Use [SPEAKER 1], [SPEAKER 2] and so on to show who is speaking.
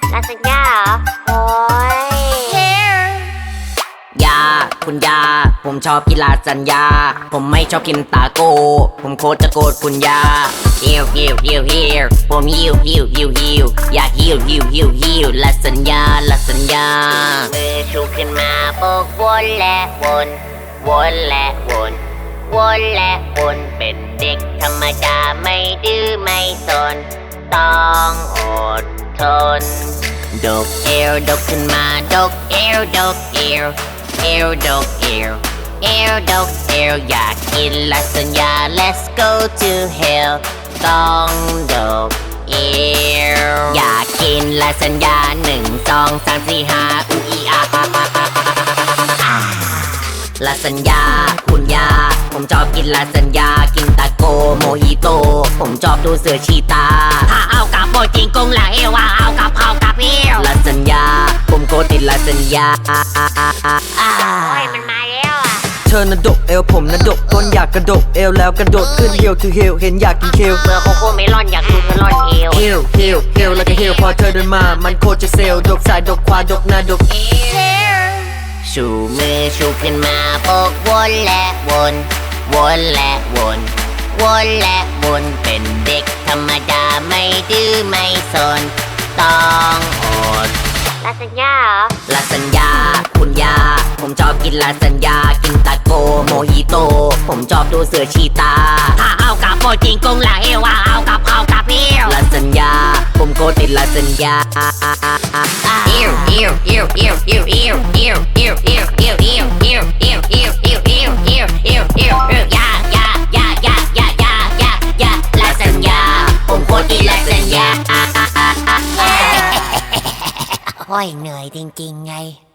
[SPEAKER 1] ลาซานญ่าเหรอโอ้ย
[SPEAKER 2] ยาคุณยาผมชอบกินลาซานญ่าผมไม่ชอบกินตาโก้ผมโคตรจะโกรธคุณยาฮิวผมฮิวอยากฮิวลาซานญ่ามือชูขึ้นมาโบกวนและวนและวนเป็นเด็กธรรมดาไม่ดื้อไม่สนต้องอดทนดกเอวดกขึ้นมาดกเอวดกเอวดกเอวดกเอวอยากกินลาซานญ่า let's go to hell ต้องดกเอวอยากกินลาซานญ่า1 2 3 4 5อูอีอาลาซานญ่าคุณยาผมชอบกินลาซานญ่ากินตาโกโมฮิโตผมชอบดูเสือชีตาถ้าเอากับโบจิงกงละเอวเอากับเอวลาซานญ่าผมโคตรติดลาซานญ่า
[SPEAKER 1] โอ้ยมันมาแล้วอ่ะ
[SPEAKER 3] เธอน่ะดกเอวผมน่ะดกก้นอยากกระดกเอวแล้วกระโดดขึ้นเฮลทูเฮลเห็นอยากกินเคล
[SPEAKER 1] เมื่อโคโค่เมลอนอยากดูเธอลอนเอว
[SPEAKER 3] เฮลแล้วก็เฮลพอเธอเดินมามันโคตรจะเซลดกซ้ายดกขวาดกหน้าดก
[SPEAKER 2] ชูมือชูขึ้นมาโบกวนและวนเป็นเด็กธรรมดาไม่ดื้อไม่สนต้องอด
[SPEAKER 1] ลาซานญ่าเหรอ
[SPEAKER 2] ลาซานญ่าคุณยาผมชอบกินลาซานญ่ากินตาโกโมฮิโตผมชอบดูเสือชีตาถ้าเอากับโบจิงกงละเอวเอากับเอวลาซานญ่าผมโคตรติดลาซานญ่า
[SPEAKER 1] โอ้ยเหนื่อยจริงๆไง